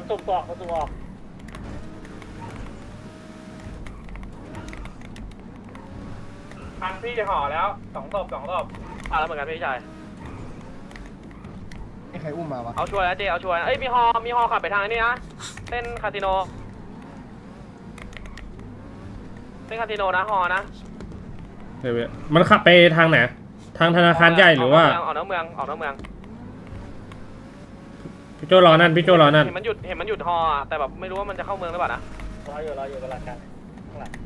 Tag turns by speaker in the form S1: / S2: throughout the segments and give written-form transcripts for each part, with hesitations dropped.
S1: สุ่มออกสุ่มออกพันพี่ห่อแล้ว2 ศพมาแล้วเหมือนกันพี่ชาย
S2: นี่ใครอุ้มมาวะ
S1: เอาช่วยแล้วเจเอาช่วยเอ้ยมีฮอขับไปทางนี้นะเส้นคาสิโนนะฮอนะ
S3: เดี๋ยวมันขับไปทางไหนทางธนาคารใหญ่หรือว่า
S1: ออกนอกเมือง
S3: พี่โจรอนั่นพี่โจรอนั่น
S1: เห็นมันหยุดฮอแต่แบบไม่รู้ว่ามันจะเข้าเมืองหรือเปล่านะรออยู่กำลังกันข้างหลัง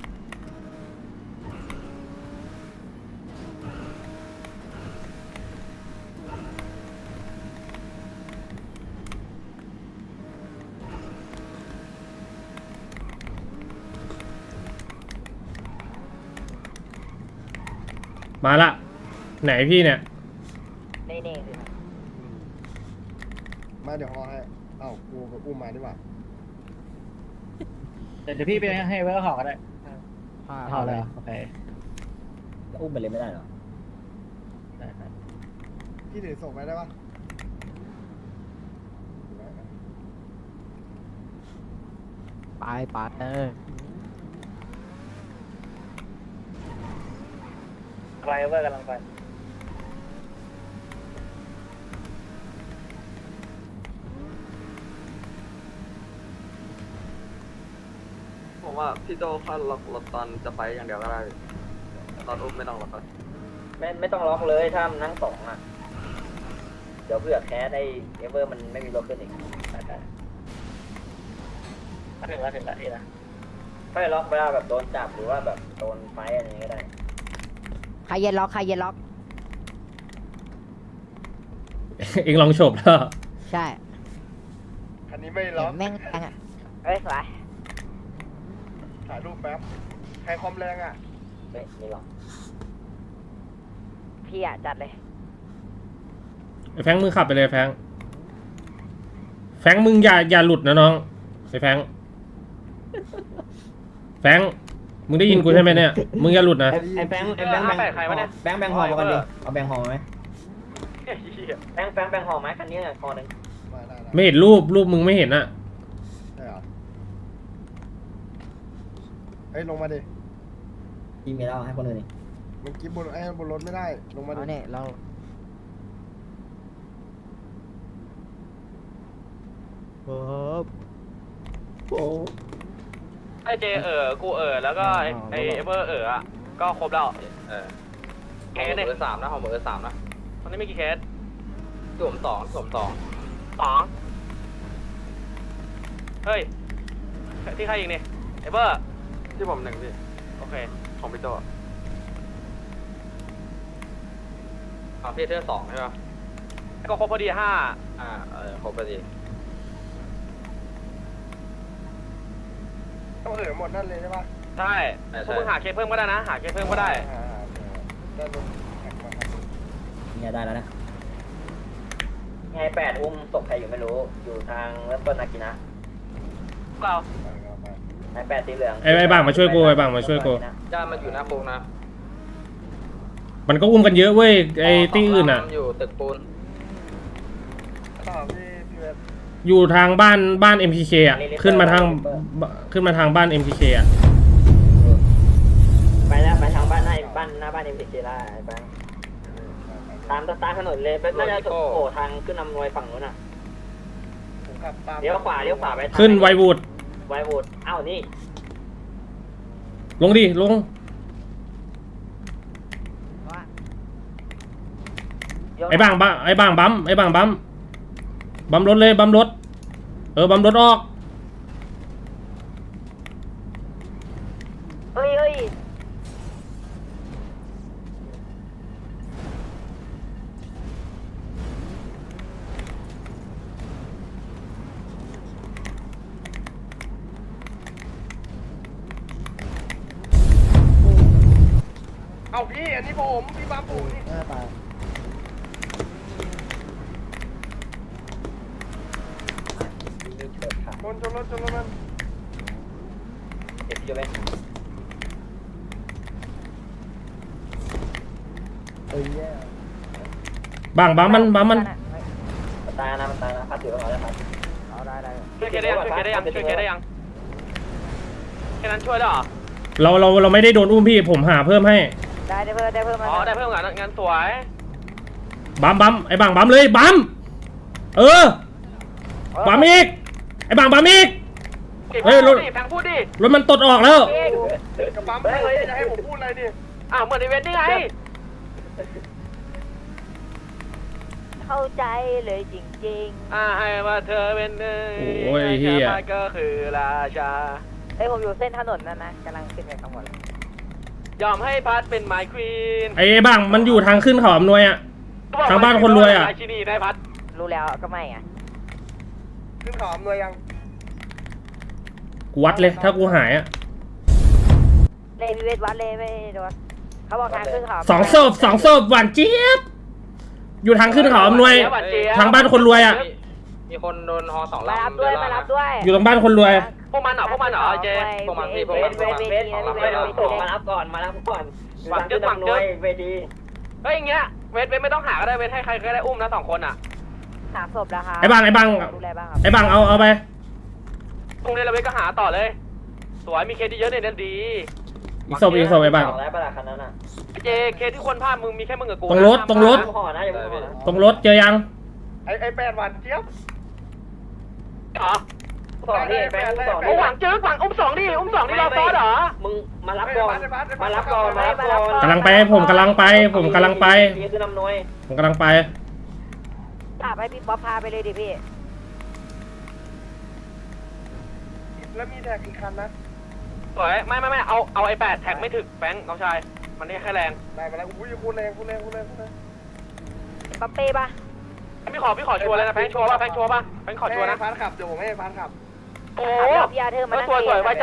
S3: มาละไหนพี่เนี่ย
S4: นี่สิ
S2: มาเดี๋ยวฮอให้เอ้ากูกับอุ้มมาดีกว่า
S5: เดี๋ยวพี่ไปให้เวลห่อก็ได้ห่อเลยโอเค
S4: อุ้มไปเลยไม่ได้หรอ
S5: ได้ครับ
S2: พี่ถือส่งไปได้ปะ
S4: ไป
S1: ไรเวอร์กำลังไปผมว่าพี่โจค่าล็อกรถตอนจะไปอย่างเดียวก็ได้ตอนอุ้มไม่ต้องล็อกก็ไม่ต้องล็อกเลยถ้ามันนั่งสองอ่ะเดี๋ยวเผื่อแคสได้เอเวอร์มันไม่มีรถขึ้นอีกถึงแล้วนี่นะไม่ล็อกเวลาแบบโดนจับหรือว่าแบบโดนไฟอะไรอย่างเงี้ยก็ได้
S4: ใครเย็นล็อก
S3: เอ็งลองโฉบแล้ว
S4: ใช่
S2: คันนี้ไม่ล็อก
S4: แม่งแรงอ่ะเอ้ยสวย
S2: ถ่ายรูปแป๊บใครความแรงอ่ะ
S1: ไม่ล็อก
S4: พี่อ่ะจัดเลย
S3: ไอ้แฟงมึงขับไปเลยแฟงมึงอย่าหลุดนะน้องไอ้แฟงมึงได้ยินกูใช่ไหมเนี่ยมึงอย่าหลุดนะ
S5: ไอ้แบงค์ใครวะเนี่ยแบงค์ห่อมากันดิเอาแบงค์ห่อไหม
S1: แบงห่อไหมคันนี้คอหนึ่ง
S2: มาได้
S3: ไม่เห็นรูปมึงไม่เห็นอะ
S2: ได้เหรอเฮ้ยลงมาดิ
S4: ทีมีแล้วให้คนอื่นนี่
S2: มันกิบบนบนรถไม่ได้ลงมาดิ
S4: เอาเนี่ยเราโอ้
S1: ไอเจกูแล้วก็ไอเบอร์อ่ะก็ครบแล้วเคสเนี่ยเบอร์3นะของเบอร์3นะตอนนี้มีกี่เคสสวม2เฮ้ยที่ใครอีกเนี่ยไอเบอร์ที่ผม1พี่โอเคของพี่โจพี่เทื่อ2ใช่ป่ะก็ครบพอดี5ครบพอดี
S2: ต้องหมดนั่นเลยใช่ปะ
S1: ใช่พวกมึงหาเคสเพิ่มก็ได้นะหาเคสเพิ่มก็ได้
S2: ได้รถแข่งมาครับ
S4: เนี่ยได้แล้วนะไง8อุ้มตกใครอยู่ไม่รู้อยู่ทางเริ่มต้นนากินะ
S1: เรา
S4: ไอ้8สีเหลือง
S3: ไอ้บ้างมาช่วยกู
S1: จะมาอยู่หน้าโค้งนะ
S3: มันก็อุ้มกันเยอะเว้ยไอ้ที่อื่นอะ
S1: อยู่ตึกปูน
S2: ต่อพี่เวท
S3: อยู่ทางบ้าน MPK อะขึ้นมาทางบ้าน MPK อะ
S4: ไปแล้วไปทางบ้านหน้าบ้านเอ็มพีเจล่าไอ้แบงค์ตามถนนเลยน่าจะโผล่ทางขึ้นนำรวยฝั่งนู้นอ่ะ
S2: ผมขับตาม
S4: เลี้ยวขวาไป
S3: ขึ้นไววูด
S4: ไววูดอ้าวนี่
S3: ลงดิลงไอ้บางบัมรถเลยบัมรถบัมรถออก
S4: เฮ้ย
S2: เอาพี่อันนี้ผมพี่บามผมนี่
S5: หน้าตา
S2: ชนรถมัน
S4: เจ็บอยู่เลย
S5: แย่
S3: บัมมัน
S4: มันตายนะพัดถือแล้วครับเอาได้ช่วยเคได้ยังช่วยเคได้ยังช่วยเคได้ยังแค่นั้นช่วยได้หรอ
S3: เราไม่ได้โดนอุ้มพี่ผมหาเพิ่มให้
S4: ได้เพิ่มอ๋อได้เพิ่มงานสวย
S3: บัมไอ้บังบัมเลยบัมบัมอีกไอ้บังบัมอีกเฮ้ยรถ
S4: แพงพูดดิ
S3: รถมันตดออกแล้ว
S2: กระปั๊มเลยจะให้ผมพูดอะไรดิ
S4: อ้าวเหมือนอีเวนต์นี่ไง
S6: เข้าใจเลยจริง
S4: ให้มาเธอเป็น
S3: โอ้ยเหี้ย
S4: ก็คือราชา
S6: ๆเฮ้ยผมอยู่เส้นถนนนั่นนะกำลังขึ้นไปข้างบน
S4: ยอมให้พัดเป็นไมค์ควีน
S3: ไอ้บังมันอยู่ทางขึ้นเขาอำนวยอ่ะ ทางบ้านคนรวยอะ
S4: ราชินีได้พัด
S6: รู้แล้วก็ไม่ไง
S2: ขึ้นเขาอำนวยยัง
S3: กูวัดเลยถ้ากูหายอ่ะ
S6: เลยพิเวทวัดเลยไม่โดนเขาบอกทางขึ้นเขา
S3: สองศพหวานเจี๊ยบอยู่ทางขึ้นเขาอำนวย ทางบ้านคนรวยอ่ะ
S1: มีคนโดนฮอ2
S6: มา
S1: ลำ
S6: รับด้วยมารับด้วย
S3: อยู่ตรงบ้านคนรวย
S4: พวกมันเหรอเจ
S1: พวกมันพี่พวกมัน
S6: เวที
S1: มารับก่อนมารับก่อน
S4: หวังเจอหวังเจอ
S1: เวที
S4: เฮ้ยอย่างเงี้ยเวทไม่ต้องหาก็ได้เวทให้ใครก็ได้อุ้มนะ2 คนอ่ะ
S6: 3 ศพแล้วครับ
S3: ไอ้บัง
S6: ดูแลบ้างครับ
S3: ไอ้บังเอาไป
S4: พรุ่งนี้เราเวทก็หาต่อเลย สวยมีเคสที่เยอะเนี่ยนั่นดี
S3: อีกศพไอ้บัง
S1: แล้วประหลาดคันนั้นอ่ะ
S4: เจเคสที่คนพลาดมึงมีแค่มึงกับกู
S3: ตรงรถ
S1: ห่อนะอย่าเพิ่งห่อนะ
S3: ตรงรถเจอยัง
S2: ไอ้แปดวันเจี๊ยบ
S4: เหรอ
S1: สองนี่แบงค์สอง
S4: โอ้หวังเจอหวังอุ้ม2ดิอุ้ม2ดิเราซอสเหรอ
S1: มึงมารับก่อนมารับก่อนมารับก่อน
S3: กำลังไปผมกำลังไป
S1: นี่คือนำนวย
S3: ผมกำลังไป
S6: ขับให้พี่ป๊อปพาไปเลยดิพี่
S2: แล้วมีแท็กอีกคันนะ
S4: สวยไม่เอาไอ้8แท็กไม่ถึกแบงค์น้องชายมันนี่แค่แรง
S2: ได้มาแล้วอุ้ยคุณแรง
S6: ป๊อปเป้ปะ
S4: พี่ขอชัวร์เลยนะแบงค์ชัวร์ป่ะแบงค์ชัวร์ป่ะแบงค์ขอชัวร์นะ
S2: พาร์ทขับเดี๋ยวผมให้พาร์ทขับ
S4: โอ้
S6: พี่อาเธอมานั่ง
S4: สวยไว้ใจ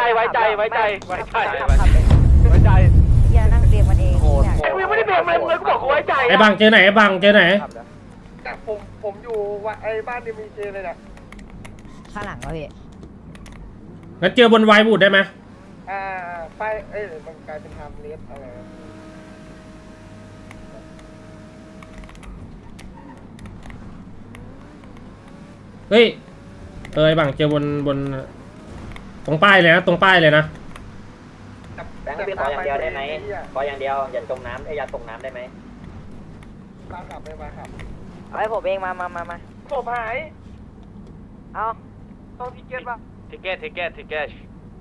S6: พี่อานั่งเรียงมันเอง
S4: กูยังไม่ได้เบรกเลยมึงเลยกูบอกกูไว้ใจ
S3: ไอ้บังเจอไหนไอ้บังเจอไหน
S2: แต่ผมอยู่ว่าไอ้บ้านดีมีเจเลยนะ
S6: ข้างหลังวะพี่
S3: งั้นเจอบนไวบูดได้ไหม
S2: ไปมันกลายเป็นไทม์เลสอะไร
S3: เฮ้ยไอ้บังเจอบนตรงป้ายเลยนะ
S1: แบงค์พี่ขออย่างเดียวได้ไหมขออย่างเดียวอย่าจมน้ำอย่าตกน้ำได้ไหม
S2: พาร์ทขับไม่พาร์ทขับ
S6: เอาให้ผมเองมา
S2: ผมหาย
S6: เอา
S2: ต้องทิเก็ตป่ะ
S4: ทิเก็ต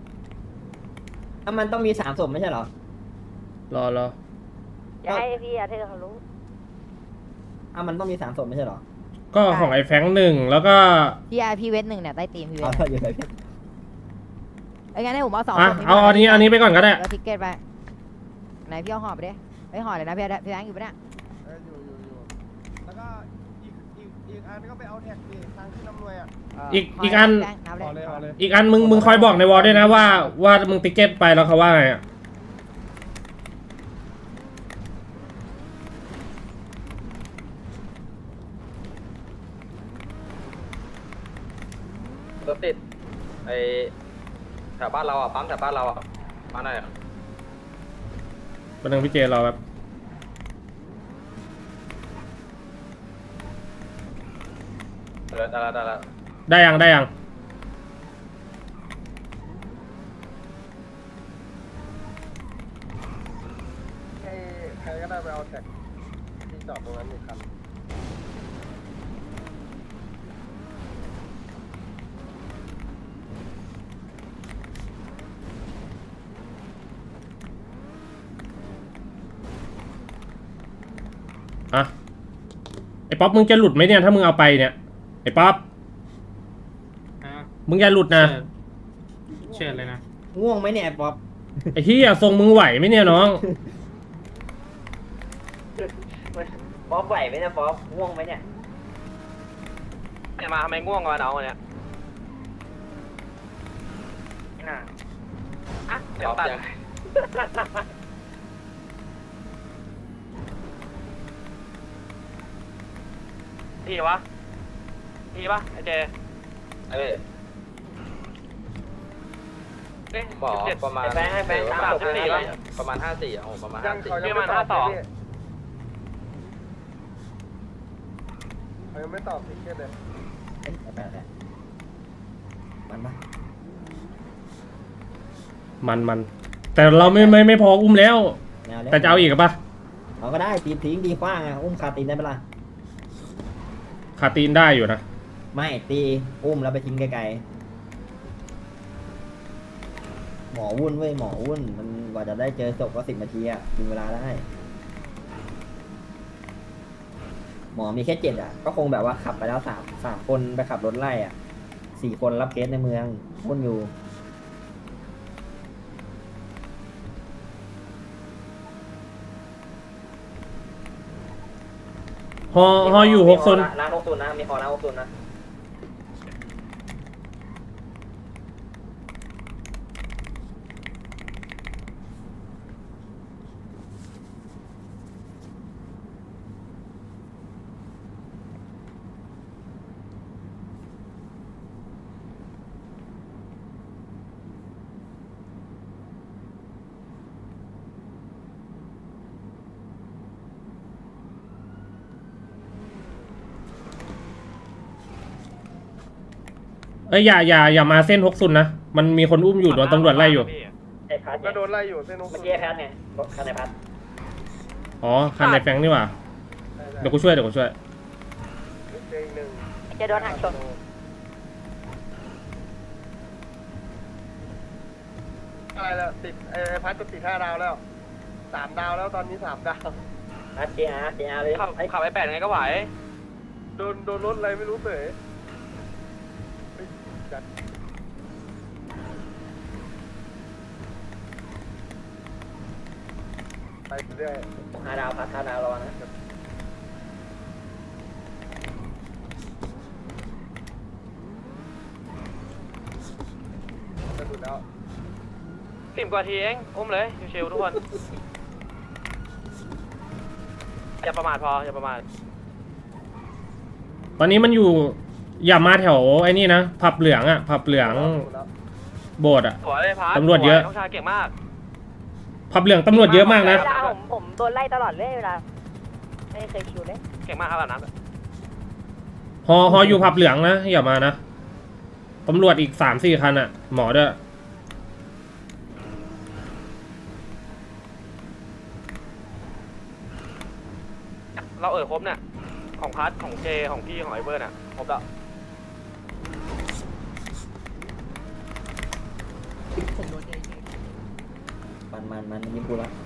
S1: มันต้องมี3 ศพไม่ใช่เหรอ
S3: รอ
S6: อย่าให้พี่อาเธอเขารู้
S1: มันต้องมี3 ศพไม่ใช่เหรอ
S3: ก็ของไอ้แฟงค์1แล้วก็
S6: พี่เวท1เนี่ยใต้ตีมพี่เวท
S1: อยู่ไหน
S6: ไอ้งั้นให้ผมเอา2
S3: อ่ะเอาอันนี้ไปก่อนก็ได้
S6: แล้วทิกเก็ตไปไหนพี่เอาห่อไปดิไม่ห่อเลยนะพี่แบงค์อยู่ปะเนี่ย
S2: อยู่แล้วก็อีกอันก็ไปเอาแท็กดิทางขึ้นน้ำนวยอ่ะ
S3: อีกอัน
S6: นับเลย
S3: อีกอันมึงคอยบอกในวอลด้วยนะว่ามึงติ๊กเก็ตไปแล้วเขาว่าไงอ่ะ
S1: รถติดไอแถวบ้านเราอ่ะปั๊มแถวบ้านเราอ่ะมาหน่อย
S3: เป็นทางพี่เจรอแบบ
S1: ได้แล้ว
S3: ได้ยัง
S2: ให้ใครก็ได้ไปเอาแท็กที่จอดตรงนั้นอีกคัน
S3: อ่ะไอ้ป๊อปมึงจะหลุดไหมเนี่ยถ้ามึงเอาไปเนี่ยไอ้ป๊อปมึงอย่าหลุดนะ
S5: เชิญเลยนะ
S1: ง่วงไหมเนี่ยป๊อป
S3: ไอ้ที่อย่าทรงมึงไหวไหมเนี่ยน้อง
S1: ป๊อปไหวไหมเนี่ยป๊อปง่วงไหมเนี่ย
S4: มาทำไมง่วงวะน้องเนี่ยเดี๋ยวตัดทีปะไอเจ
S1: บอกประมาณแบงค์ให้แบงค์ประมาณ54โอ้ประมาณ
S2: ยังเขายังไม่ตอบเขายังไม่ตอบทิเก็ตเลย
S7: มันปะ
S3: มันแต่เราไม่พออุ้มแล้ว
S7: แนวแล้ว
S3: แต่จะเอาอีกกับปะ
S7: เอาก็ได้ตีทิ้งตีขว้างอ่ะอุ้มคาตีนได้ปะล่ะ
S3: ขาตีนได้อยู่นะ
S7: ไม่ตีอุ้มแล้วไปทิ้งไกลๆหมอวุ่นเว้ยหมอวุ่นมันกว่าจะได้เจอศพก็10 นาทีอ่ะกินเวลาได้ หมอมีแค่7อ่ะก็คงแบบว่าขับไปแล้วสามคนไปขับรถไล่อ่ะ4 คนรับเคสในเมืองวุ่นอยู่
S3: ฮออยู่6 โซน
S4: ล้าง60นะมีคอล้าง60นะ
S3: เอ้ยอย่ามาเส้น6 โซนนะมันมีคนอุ้มอยู่โดนตำรวจไล่อยู่
S4: ไอ้พัด
S2: ก็โดนไล่อยู่เส้น
S4: เมื่อกี้ไอ้พัดไงคันไอ้พัด
S3: อ๋อคันในแฟงนี่หว่าเดี๋ยวกูช่วย
S2: เจออีกหนึ่ง
S6: จะโดนหักชน
S2: อะไรแล้วติดไอ้พัดก็ติด5 ดาวแล้ว3 ดาวแล้วตอนนี้3 ดาว
S4: พัด JR เลย
S1: ขับไอ้8ไงก็ไหว
S2: โดนรถอะไรไม่รู้เสยเฮ้ยจัดไปเรื่อย
S4: 5 ดาวพัด5 ดาวรอนะ
S2: จะดูแล้ว
S1: 10 กว่าทีเองอุ้มเลยชิวๆทุกคนอย่าประมาทพออย่าประมาท
S3: ตอนนี้มันอยู่อย่ามาแถวไอ้นี่นะผับเหลืองอ่ะผับเหลือง
S2: ดูแล้ว
S3: โบสถ์อ่ะ
S1: สวยเลยพัด
S3: ตำรวจเยอะ
S1: น้องชายเก่งมาก
S3: ผับเหลืองตำรวจเยอะมากนะ
S6: เวลาผมโดนไล่ตลอดเลยเวลาไม่เคยคิวเลย
S1: เก่งมากครับแบบนั้น
S3: ฮออยู่ผับเหลืองนะอย่ามานะตำรวจอีก3-4 คันอ่ะหมอด้วย
S1: เราครบเนี่ยของพัดของเจของพี่ของไอเบิร์นอ่ะครบแล้ว
S7: มันยิ้มกูแล้ว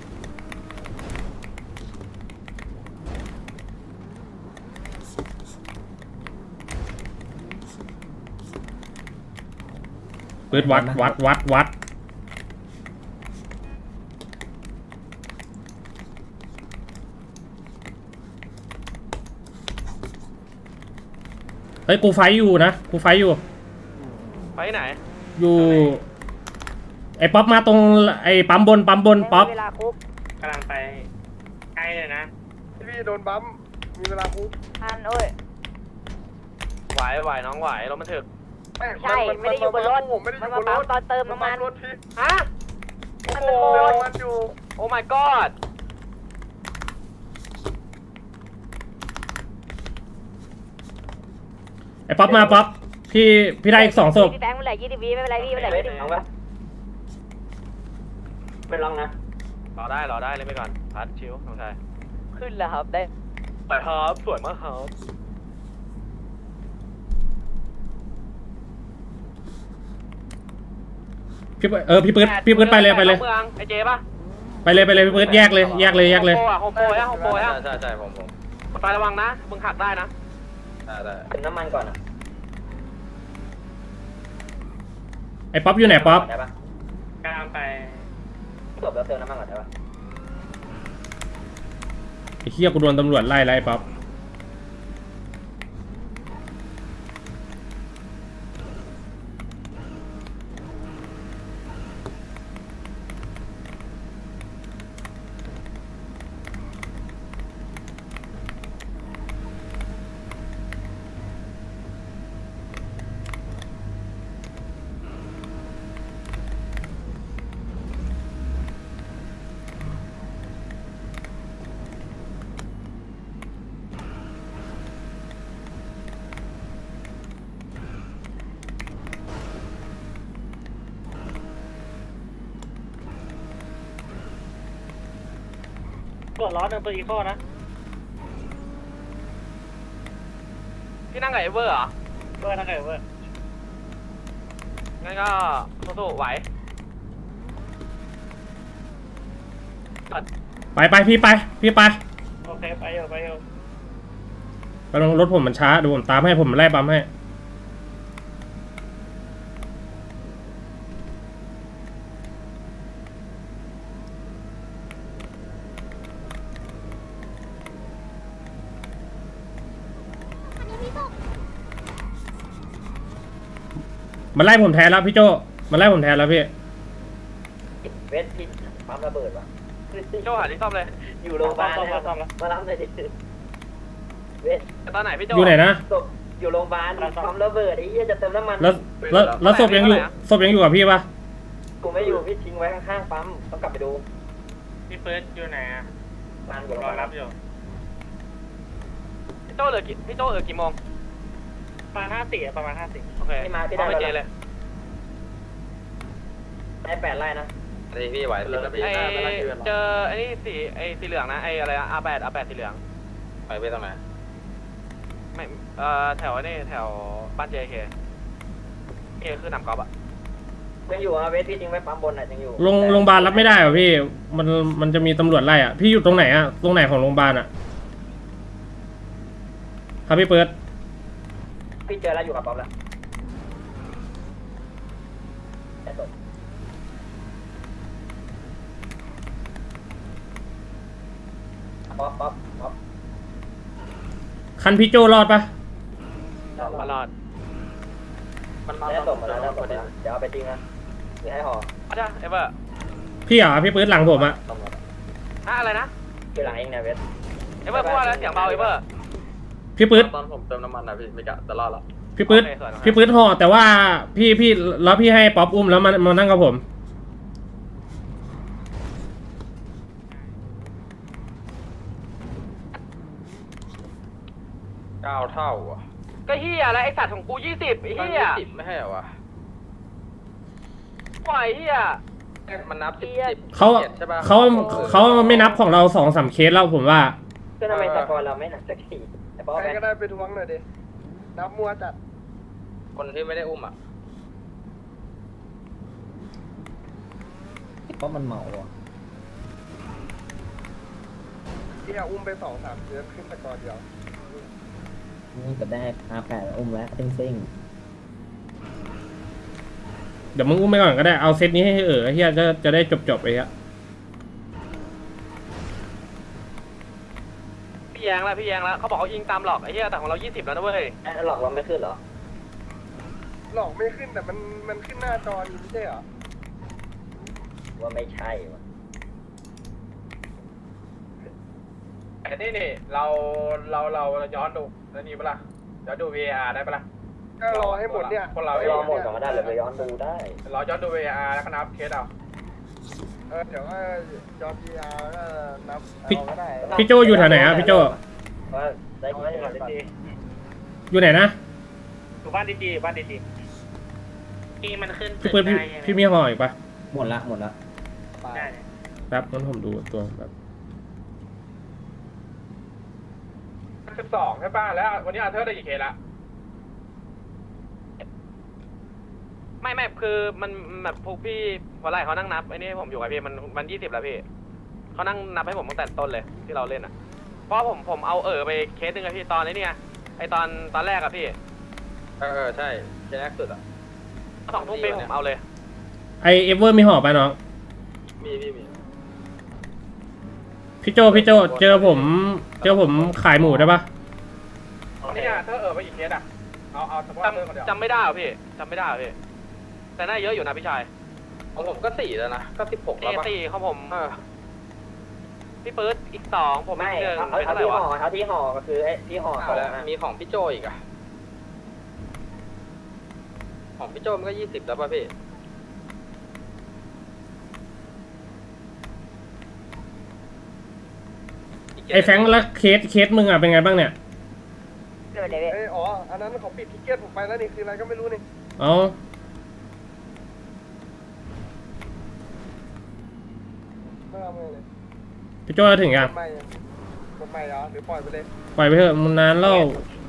S3: เปิดวัดเฮ้ยกูไฟอยู่นะกูไฟอยู่
S1: ไปไหน
S3: อยู่ไอ้ป๊อปมาตรงไอ้ปั๊มบนป๊อป
S6: เวลาคุก
S1: กำลังไปใกล้เลยนะ
S2: พี่โดนบัมมีเวลาคุก
S6: อันโอ้ย
S1: ไหวน้องไหวรถมันถึก
S6: ใช่ไม่ได้อยู่บนรถ
S2: ผมไม่ได้อ
S6: มัน
S2: ยู่บ
S6: มาน
S2: ร
S6: ปั๊ม
S2: ถ
S6: ตอนเติมน้ำมัน
S2: รถพี่
S1: ฮะ
S6: มัน
S1: โอ้
S6: โด
S2: เติม
S6: น
S2: มันอยู่
S1: โอ้ my god
S3: ไอ้ป๊อปมาป๊อปพี่ได้อีก2 ศพ
S6: พี่แบงค์เมื่อไหร่20 วิไม่เป็นไรพี่เมื่อไหร่20 วิ
S4: เอาปะเป็นลองนะ
S1: รอได้เล่นไปก่อนพัดชิวน้องชาย
S6: ขึ้นแล้วครับได้
S1: ไปครับสวยมากครับ
S3: พี่ปื๊ดไปเลย
S1: เมืองไอเจป่ะ
S3: ไปเลยพี่ปื๊ดแยกเลย
S1: โฮมโปรใช่ผมไประวังนะมึงหักได้นะ
S4: เติมน้ำมันก่อนอ่ะ
S3: ไอ้ป๊อปอยู่ไหนป๊อป
S4: ได้ปะ
S1: กำลังไป
S4: จบแล้วเติมน้ำมันก่อนได้ปะ
S3: ไอ้เหี้ยกูโดนตำรวจไล่ป๊อป
S4: ตรวจล้อหนึ่งตัวอีโคนะ
S1: พี่นั่งกับเอเวอร์เหรอ
S4: เบอร์นั่งไงเบอร์
S1: งั้นก็สู้ๆไหว
S3: ไปพี่ไป
S4: โอเคไปอยู่
S3: กำลังรถผมมันช้าดูผมตามให้ผมไล่ปั๊มให้ มันไล่ผมแทนแล้วพี่โจมันไล่ผมแทนแล้วพี่
S4: เวทพินปั๊มระเบิดว่ะ
S1: โจหาที่ซ่อมเลย
S4: อยู่โรงพยาบาลนะครับมารับเลยดิเวท
S1: ตอนไหนพี่โจ
S3: อยู่ไหนนะ
S4: ศพอยู่โรงพยาบาลปั๊มระเบิดไอ้เหี้ยจะเติมน้ำมัน
S3: แล้วศพยังอยู่กับพี่ปะ
S4: กูไม่อยู่พี่ทิ้งไว้ข้างๆปั๊มต้องกลับไปดู
S8: พี่เฟิร์สอยู่ไหนอ่ะ
S4: บ้านอยู่
S8: รอรับอยู่
S1: พี่โจเหลือกี่โมง
S8: ประมาณ50
S1: โอเค
S4: พี่มาพี่
S1: เอา
S4: ได้
S1: ไปเจเลย
S4: ได้8 ไร่นะ
S1: พี่ไหวเจอไอ้นี่สีเหลืองนะไอ้อะไรอะR8 สีเหลืองไปตรงไหนไม่แถวนี่แถวบ้าน JK คือหนำกอล์ฟอะ
S4: ยังอยู่เวทพี่ทิ้งไว้ปั๊มบนยังอยู่
S3: โรงพยาบาลรับไม่ได้เหรอพี่มันจะมีตำรวจไล่อ่ะพี่อยู่ตรงไหนอ่ะตรงไหนของโรงพยาบาลอ่ะครับพี่เปิด
S4: พี่เจอแล้วอยู่กับปั๊มแล้วป๊อป
S3: คันพี่โจรอดปะ
S1: มารอดมันมา
S4: ได้ส่งมาแล้วเดี๋ยวเอาไปทิ้งนะหรือให้ห่อ
S1: อาจารย์เอเวอร์
S3: พี่เหรอพี่เปิดหลังผมอ่ะ
S1: อะไรนะ
S4: คือหลังเองนะเวท
S1: เอเวอร์พูดว่าอะไรเสียงเบาเอเวอร์
S3: พี่เปิด
S1: ตอนผมเติมน้ำมันนะพี่ไม่กะจะรอดหรอ
S3: พี่เปิดพี่เปิดห่อแต่ว่าพี่แล้วพี่ให้ป๊อปอุ้มแล้วมานั่งกับผม
S1: 9 เท่าอ่ะก็เฮียอะไรไอสัตว์ของกู20ไอเฮียไม่ให้เหรอวะปล่อยเฮียมันนับ10
S3: เขาไม่นับของเรา2-3 เคสแล้วผมว่า
S4: ก็ทำไมสกอร์เราไม่หนักสักทีแต่ป๊อป
S2: ใครก็ได้ไปทวงหน่อยดินับมัวจัด
S1: คนที่ไม่ได้อุ้มอ่ะ
S7: เพราะมันเมาอ่ะ
S2: ที่อุ้มไป2-3เดือนขึ้นตะกอนเดียว
S7: นี่ก็ได้R8อุ้มแล้วซิ่ง
S3: เดี๋ยวมึงอุ้มไปก่อนก็ได้เอาเซตนี้ให้เฮียจะได้จบไปฮะ
S1: พี่แยงแล้วเขาบอกเขายิงตามหลอกไอ้เหี้ยแต่ของเรา20แล้วนะเว้ย
S4: หลอกเราไม่ขึ้นเหรอ
S2: หลอกไม่ขึ้นแต่มันขึ้นหน้าจออยู่ไม่ใช่เหรอ
S4: ว่าไม่ใช่วะ
S8: แต่นี่เราย้อนดูแล้วนี่ปะล่ะย้อนดู VAR ได้ปะล่ะ
S2: ก็รอให้หมดเนี่ย
S8: คนเรา
S4: รอหมดก่อนก็ได้เลยไปย้อนดูได้
S8: เราย้อนดู VAR แล้วก็นับเคสเอา
S2: เดี๋ยวก็จอพีอาร์ก็นับ
S3: พี่
S2: เอาก็ได้
S3: พี่โจอยู่แถวไหนอ่ะพี่โจ
S4: ว่าได้กี่คน
S3: อยู่ไหนนะ
S8: อยู่บ้านดีที่มันขึ้น
S3: พี่เปิดพี่มีห่ออีกปะ
S7: ๆหมดละ
S8: ได้
S3: แป๊บงั้นผมดูตัวแบบ
S8: 12ใช่ป่ะแล้ววันนี้อาเธอร์ได้กี่เคสละ
S1: ไม่คือมันแบบพวกพี่พอไล่เขานั่งนับไอ้นี่ผมอยู่กับพี่มัน20แล้วพี่เขานั่งนับให้ผมตั้งแต่ต้นเลยที่เราเล่นอ่ะเพราะผมเอาไปเคสหนึ่งอะพี่ตอนนี้เนี่ยไอตอนแรกอะพี่ใช่เคสแรกสุดอะ2 ทุ่มผมเอาเลย
S3: ไอเอเวอร์มีห่อปะน้อง
S1: มี
S3: พี่โจเจอผมขายหมูได้ปะ
S8: วันนี้อาเธอร์ไปกี่เคสอ่ะเอาเฉพาะอาเธอร์คนเดียว
S1: จำไม่ได้เหรอพี่แต่น่าเยอะอยู่นะพี่ชายของผมก็4แล้วนะก็16แล้วป่ะ4ของผมพี่ปื๊ดอีก2ผม
S4: ไม่
S1: เจอ
S4: เอา
S1: เป็นเท่าไหร่
S4: ที่
S1: วะ
S4: ห่อเอาที่ห่อก็คือไอ้ที่ห่อสอง
S1: มีของพี่โจอีกอะของพี่โจมันก็20แล้วป่ะพี่
S3: ไอแฟงแล้วเคสมึงอ่ะเป็นไงบ้างเนี่ย
S6: เกิดอะไรเว้ย
S2: อันนั้นเขาปิดทิเก็ตผมไปแล้วนี่คืออะไรก็ไม่รู้นี่
S3: เอา
S2: ไม่เอาเลย
S3: พี่โจจะถึงยัง
S2: ไม่คนใหม่เหรอหรือปล่อยไปเลย
S3: ปล่อยไปเถอะมันนานแล้ว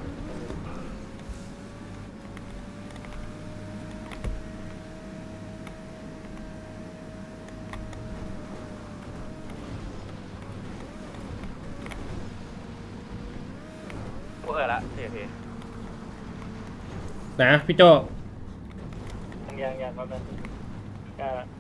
S8: กูละโอเค
S3: นะพี่โจ
S4: ยังแป๊บนึง